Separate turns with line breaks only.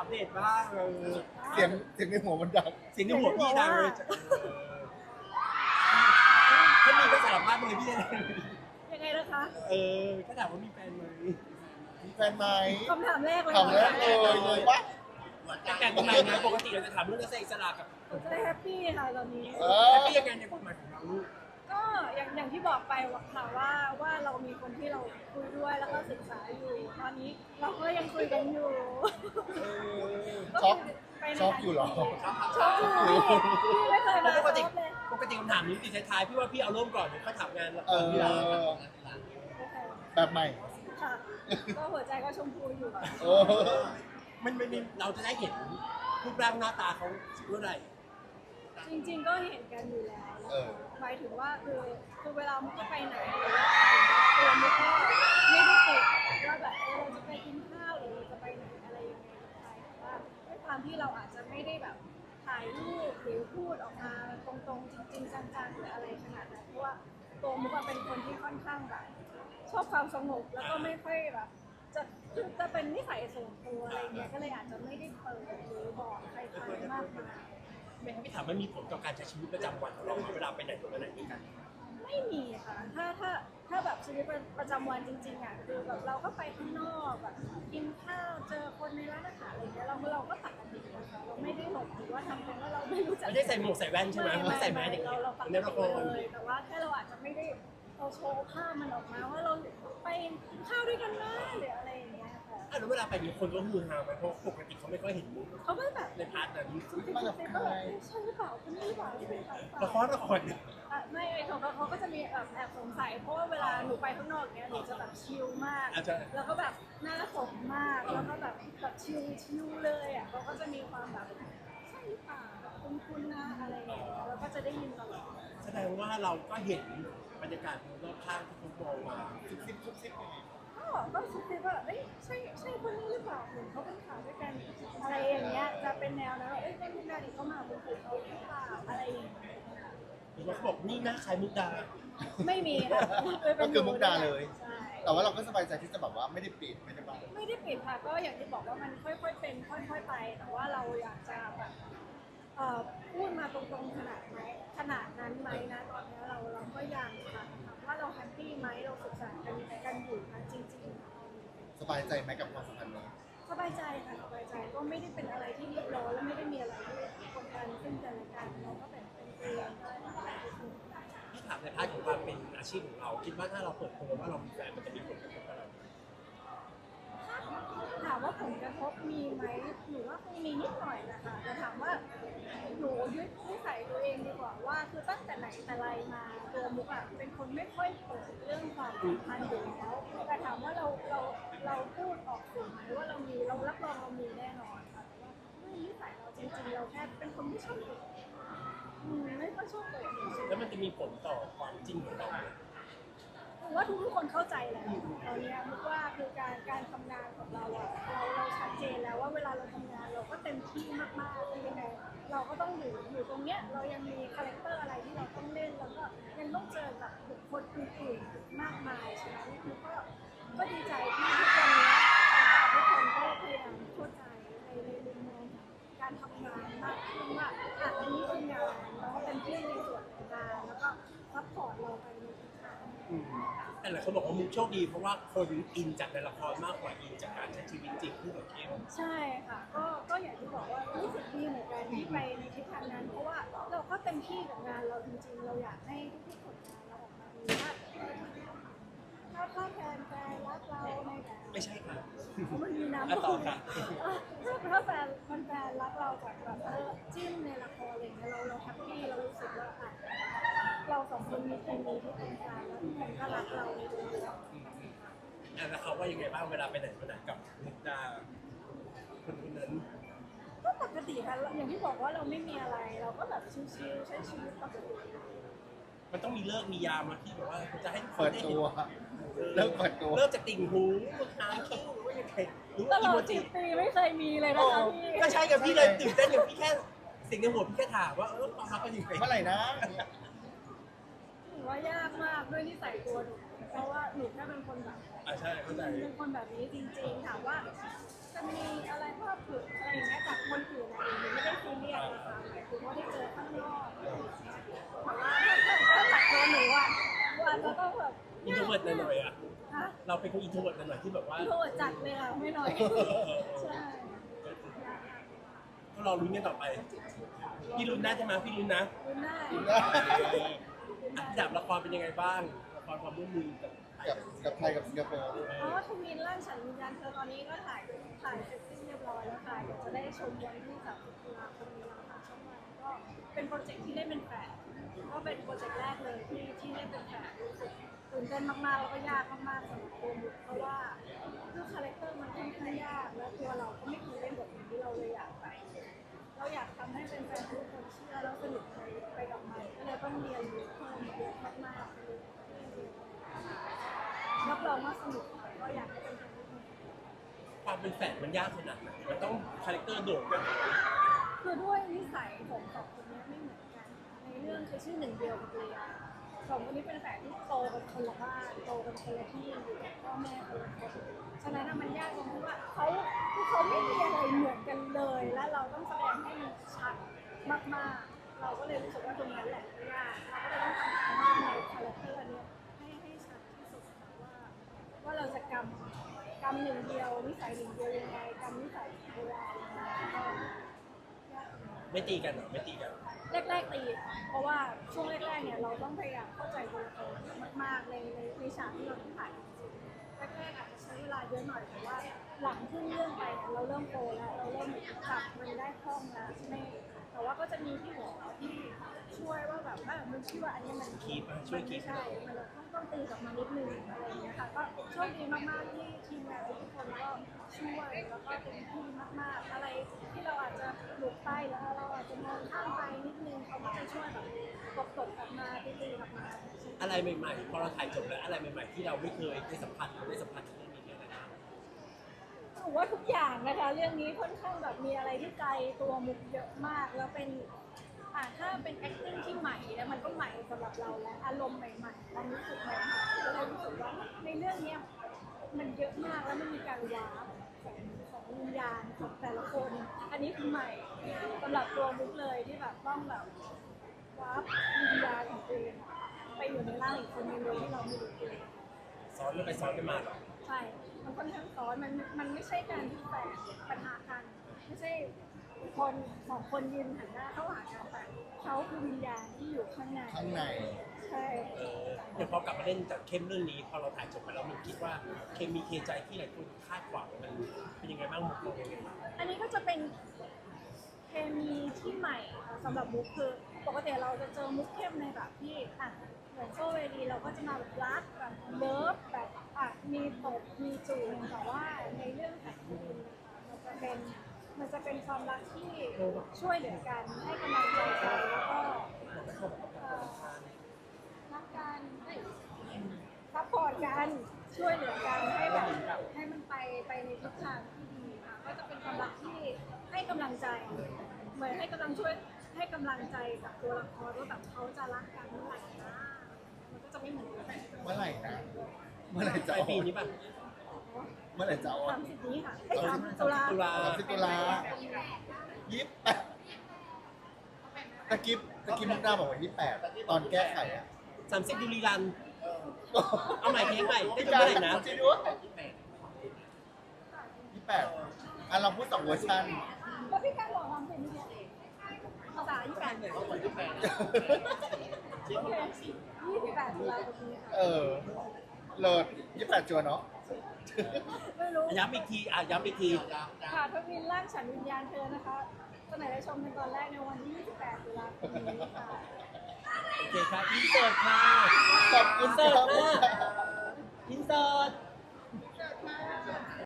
เดตบ้าง
เสียงในหัวมันดัง
สิ่งที่หัวพี่ดังเลยถ้ามีก็สารภาพเลยพี่เลย
ยังไงนะคะ
ก็ถามว่ามีแฟนไหม
มีแฟนไหม
คำถามแรกเลย
ถามแรกเลยปะ
แต่แฟนทำไมนะปกติเราจะถามเรื่องนักแสดงอิสระกับ
ผมจะได้แฮปปี้ค่ะตอนนี้
แต่พี่ยังไงในความหมายของเราลูก
ก็อย่างที่บอกไปค่ะว่าเรามีคนที่เราคุยด้วยแล้วก็ศึกษาอยู่ ตอนนี้เราก็ยังคุยกันอยู่
ช็อก
ไปใน
ช็อกอยู่เหรอ
ช็อกอยู่พี่ไม่เคยมา
ปกติ
ช็อกเลย
ปกติคำถามนี้ติดท้ายๆพี่ว่าพี่เอาเริ่มก่อนเดี๋ยวค่อยถามงานละค
เอ
รที่เรา
อ
โอเค
แบบใหม่
ค่ะ ก็หัวใจก็ชมพูอยู่
โอ้
มันเราจะได้เห็นรูปร่างหน้าตาเขาเมื่อไหร่
จริงๆก็เห็นกันอยู่แล้ว
เออ
หมายถึงว่าคือเวลามุกก็ไปไหนหรือว่าตัวมุกก็ไม่ได้ติดว่าแบบเราจะไปกินข้าวหรือเราจะไปไหนอะไรยังไงไปแต่ว่าด้วยความที่เราอาจจะไม่ได้แบบถ่ายรูปหรือพูดออกมาตรงๆจริงๆจังๆหรืออะไรขนาดนั้นเพราะว่าตัวมุกอะเป็นคนที่ค่อนข้างแบบชอบความสงบแล้วก็ไม่ค่อยแบบจะเป็นนิสัยส่วนตัวอะไรเงี้ยก็เลยอาจจะไม่ได้เปิดหรือบอกใครๆมากมาย
ไม่ให้พี่ถามมันมีผลต่อการใช้ชีวิตประจำวันของเราไหมเวลาไปไหนต่อไหนด้วยกัน
ไม่มีค่ะ ถ้าแบบชีวิตประจำวันจริงๆอ่ะคือแบบเราก็ไปข้างนอกแบบกินข้าวเจอคนในร้านอาหารอะไรเงี้ยเราก็ปกตินะคะเราไม่ได้หลบหรือว่าทำเป็นว่าเราไม่รู้จัก
ไม่ได้ใส่หมวกใส่แว่นใช่ไหมไม่ใส่แมสอย่าง
เราปก
ใน
ติ
ละคร
เลยแต่ว่าแค่เราอาจจะไม่ได้เราโชว์ภาพมันออกมาว่าเราไปกินข้าวด้วยกันนะหรืออะไรอย่างเงี้ยค่ะ
แล้วเวลาไปมีคนก็ฮือฮาไหมเพราะปกติเขาไม่ค่อยเห็นมุก
เขาก็แบบ
ในพาร์ทนั้น
ซุบซิบซุบซิบก็แบบใช่หรือเปล่าคนนี้หรือเปล่าที่เป็นเขาหรือเปล่า
ละคร
ไม่เขาก็จะมีแบบแอบสงสัยเพราะว่าเวลาหนูไปข้างนอกเนี้ยหนูจะแบบชิลมาก
อาจจะ
แล้วก็แบบหน้าสดมากแล้วก็แบบชิลเลยอ่ะเขาก็จะมีความแบบใช่หรือเปล่าแบบคุ้นๆนะอะไรอย่างเงี้ยแล้วก็จะได้ยินตลอด
แสดงว่าเราก็เห็นบรรยากาศรอบข้างที่เขามองมา
ซุบซิบยังไง
ก็คิดว่าเอ้ยใช่คนนี้หรือเปล่าเหมือนเขาเป็นข่าวด้วยกันอะไรอย่างเงี้ยจะเป็นแนวนะว่าเอ้ยเป็นมุกดาดิเขามาเป็นเขาหรือเปล่าอะไรอย่างเงี้ย
หรือว่าเขาบอกนี่หน้าคล้ายมุกดา
ไม่มีค่ะ
ก็คือมุกดาเลย
ใช่
แต่ว่าเราก็สบายใจที่จะแบบว่าไม่ได้ปิดไม่ได้บัง
ไม่ได้ปิดค่ะก็อย่างที่บอกว่ามันค่อยๆเป็นค่อยๆไป แต่ว่าเราอยากจะแบบพูดมาตรงๆขนาดนั้นไหมนะตอนนี้เราก็ยังค่ะถามว่าเราแฮปปี้ไหมเราศึกษากันอยู่นะจริงๆ
สบายใจไหมกับความสัมพันธ์นี้
สบายใจค่ะสบายใจก็ไม่ได้เป็นอะไรที่รีบร้อนและไม่ได้มีอะไรที่กดดันซึ่งกันและกันเราก็เป็นตัวเองได้
พี่ถามในพาร์ทของความเป็นอาชีพของเราคิดว่าถ้าเราเปิดตัวว่าเรามีแฟนมันจะมีผลกระทบกับเรา
ถามว่าผลกระทบมีไหมหนูว่าคงมีนิดหน่อยนะคะแต่ถามว่าหนูยึดนิสัยตัวเองดีกว่าว่าคือตั้งแต่ไหนแต่ไรมาตัวมุกอะเป็นคนไม่ค่อยเปิดเรื่องความสัมพันธ์อยู่แล้วแต่ถามว่าเราพูดออกสื่อไหมว่าเรารับรองเรามีแน่นอนค่ะแต่ว่าด้วยนิสัยเราจริงๆเราแค่เป็นคนไม่ชอบเปิดไม่ค่อยชอบเปิด
แล้วมันจะมีผลต่อความจริงของเราไหม
ถือว่าทุกคนเข้าใจแหละตอนนี้มุกว่าคือการทำงานของเราอะเราชัดเจนแล้วว่าเวลาเราทำงานเราก็เต็มที่มากๆยังไงเราก็ต้องอยู่ตรงเนี้ยเรายังมีคาแรคเตอร์อะไรที่เราต้องเล่นแล้วก็ยังต้องเจอกับบุคคลอื่นๆมากมายฉะนั้นคือก็ดีใจที่ทุกคนเนี้ยทุกคนก็พยายามเข้าใจในมุมมองการทำงานมากขึ้นว่าอันนี้คืองานเราก็เต็มที่ในส่วนของงานแล้วก็ซัพพอร์ตเราไปในทิศทาง
แต่หลายคนบอกว่ามุกโชคดีเพราะว่าคนอินจากในละครมากกว่าอินจากการใช้ชีวิตจริงคู่กับเข้ม
ใช่ค่ะก็อย่างที่บอกว่ารู้สึกดีเหมือนกันที่ไปในทิศทางนั้น เพราะว่าเราก็เต็มที่กับงานเราจริงๆเราอยากให้ทุกๆผลงานเราออกมาดีถ้าแฟนรักเราในแบบ
ไม่ใช่ค่ะ
มันมีน้ำ
ต่อค่ะ
ถ้าแฟนรักเราจากแบบจิ้มในละครอะไรเงี้ยเราแฮปปี้เรารู้สึกว่าเราสองคนมีเคมีที่ตรงกันแล้วทุกคนก็รักเราในตัวเรา
แล้วเขาว่ายังไงบ้างเวลาไปไหนมาไหนกับมุกดาคนนั้น
ก็ปกติค่ะอย่างที่บอกว่าเราไม่มีอะไรเราก็แบบชิลๆใช้ชีวิตปกติ
มันต้องมีเลิกมียามมาที่แบบว่าจะให้ทุกค
เปิ
น
ด
ได้
ตั
เห็น
วเริ่มเปิดตัว
เลิกจากติ่งหูมือหางคิ้วหรือว่ายังไงหรือ
ต
ว่า
ล
อี
อ
โม
ด
จิ
10 ปีไม่เคยมีเลยนะคะพี่
ก็ใช่กับพี่เลยตื่นเต้นกับพี่แค่สิ่งในหัวพี่แค่ถามว่าความรักเป็นยังไง
เมื่อไหร่นะ
ถือว่ายากมากด้วยนิสัยตัวหนูเพราะว่าหนูแค่เป็นคนแบบ
ใช่เข้าใจ
เป็นคนแบบนี้จริงๆถามว่าจะมีอะไรภาพผุดอะไรอย่าง
วิร์ดหน่อยๆอ่ะ
ฮะ
เราเป็นคนอินโทรเวิร์ดหน่อยๆที่แบบว่า
โทษจัดเลยค่ะไม่หน่อยใช่
ก็รอลุ้นกันต่อไป พี่ลุ้นได้ใช่ไหมพี่ลุ้นนะ
คุณได้
อันดับละครเป็นยังไงบ้างละครความร่วมมือกับไทย
กับไทยกับสิงคโปร์
เพราะว่าทวินร่างฉันวิญญาณเธอตอนนี้ก็ถ่ายเสร็จสิ้นเรียบร้อยแล้วค่ะเดี๋ยวจะได้ชมวันที่30 ตุลาคมนี้แล้วค่ะช่องวันก็เป็นโปรเจกต์ที่เล่นเป็นแฝดก็เป็นโปรเจกต์แรกเลยที่เล่นเป็นแฝดรู้สึกตื่นเต้นมากๆแล้วก็ยากมากๆสำหรับตัวมุกเพราะว่าคือคาแรคเตอร์มันค่อนข้างยากและตัวเราก็ไม่เคยเล่นบทนี้เราเลยอยากไปเราอยากทำให้เป็นแฟนๆทุกคนเชื่อแล้วสนุกไปกับมันก็เลยต้องเรียนรู้เพิ่มเยอะมากๆรับรองว่าสนุกค่ะก็อยากให้เป็นแฟนทุกคน
ความเป็นแฝดมันยากขนาดไหนมันต้องคาแรคเตอร์โดดกัน
คือด้วยนิสัยของสองคนนี้ไม่เหมือนกัน ในเรื่องคือชื่อหนึ่งเดียวกับเรียสองคนนี้เป็นแฝดที่โตกันคนละบ้านโตกันคนละที่อยู่กับพ่อแม่คนละคนฉะนั้นน่ะมันยากตรงที่ว่าเขาไม่มีอะไรเหมือนกันเลย และเราต้องแสดงให้มันชัดมากๆ เราก็เลยรู้สึกว่าตรงนั้นแหละยากเราก็เลยต้องทำการบ้านในคาแรคเตอร์เนี้ยให้ชัดที่สุดค่ะว่าเราจะกำหนึ่งเดียวนิสัยหนึ่งเดียวยังไงกำนิสัยเวลายังไงก็ยาก
ไม่ตีกันเหรอไม่ตีกัน
แรกๆตีเพราะว่าช่วงแรกๆเนี่ยเราต้องพยายามเข้าใจตัวละครมากๆในฉากที่เราต้องถ่ายจริงๆแรกๆอาจจะใช้เวลาเยอะหน่อยแต่ว่าหลังขึ้นเรื่องไปเนี่ยเราเริ่มโตแล้วเราเริ่มจับมันได้คล่องแล้วไม่แต่ว่าก็จะมีพี่หมอที่ช่วยว่าแบบมันคิดว่าอันนี้มัน
คีบอ่ะช่วยคีบ
ใช่มันต้องตีกลับมานิดนึงอะไรอย่างเงี้ยค่ะก็โชคดีมากๆที่ทีมงานทุกคนก็ช่วยแล้วก็เต็มที่มากๆอะไรที่เราอาจจะหลุดไปแล้วเราอาจจะมองข้ามไปนิดนึงเขาก็จะช่วยแบบกดกลับมาตีกลับมา
อะไรใหม่ๆพอเราถ่ายจบแล้วอะไรใหม่ๆที่เราไม่เคยได้สัมผัสเราได้สัมผัสในเรื่องนี้เนี่ยอะไรบ้าง
ถือว่าทุกอย่างนะคะเรื่องนี้ค่อนข้างแบบมีอะไรที่ไกลตัวมุกเยอะมากแล้วเป็นถ้าเป็น acting ที่ใหม่แล้วมันก็ใหม่สำหรับเราและอารมณ์ใหม่ๆความรู้สึกใหม่ๆก็เลยรู้สึกว่าในเรื่องเนี้ยมันเยอะมากแล้วมันมีการว้าร์ปของวิญญาณของแต่ละคน อันนี้คือใหม่สำหรับตัวมุกเลยที่แบบต้องแบบว้าร์ปวิญญาณของตัวเองไปอยู่ในร่างอีกคนนึงโดยที่เราไม่รู้ตัว
ซ้อนกันไปซ้อนกันมาเหรอ
ใช่ มันค่อนข้างซ้อนมันไม่ใช่การที่แฝงปัญหากัน ไม่ใช่คนสองคนยืนหันหน้าเข้าหากันแต่เขาคือวิญญาณที่อยู่ข้างใน
ข้างใน
ใช่
เดี๋ยวพอกลับมาเล่นจากเข้มเรื่องนี้พอเราถ่ายจบไปแล้วมันคิดว่าเคมีเคใจที่หลายคนคาดหวังมันเป็นยังไงบ้างมุกเรายังไงบ้าง
อันนี้ก็จะเป็นเคมีที่ใหม่สำหรับมุกคือปกติเราจะเจอมุกเข้มในแบบที่เหมือนโซเวดีเราก็จะมาแบบรักแบบเลิฟแบบมีตบมีจูบแต่ว่าในเรื่องของคุณมันจะเป็นความรักที่ช่วยเหลือกันให้กำลังใจกันแล้วก็รักกันซัพพอร์ตกันช่วยเหลือกันให้แบบให้มันไปในทิศทางที่ดีค่ะก็จะเป็นความรักที่ให้กำลังใจเหมือนให้กำลังใจกับตัวละครว่าแบบเขาจะรักกันเมื่อไหร่นะมันก็จะไม่เหมือนกัน
เมื่อไหร่นะ เมื่อไหร่
ป
จะ
ลาย
ออ
ปี
ก
นี้ป่ะ
เมื่อไหร่จะออก
30 นี้ค่ะ30 ตุลา
ตุลา
30 ตุลา28ตะกี้มุกดาบอกว่า28 ตอนแก้ไขอ่ะ
30ดูรีรัน เอาใหม่เพลงใหม่ได้
พี่
จบ
การ
เมื่อไหร่นะ
จริงด้วย28เราพูด2เวอร์ชัน
แล้วพี่การบอกทำเป็นยังไงภาษา28เนี่ยโอเค28 ตุลาคมนี้ค่ะ
เลิศ28 จัวเนาะ
ไม่รู้
ย้ำอีกทีย้ำอีกที
ค่ะทวินร่างฉันวิญญาณเธอนะคะเสนอได้ชมในตอนแรกในวันที่ 28 ตุลาคมนี้ค่ะ
โอเคครับอินเสิร์ตค่ะ
ขอบคุณ
อินเสิร์ต
ครับ
ค่ะอินเสิร์ต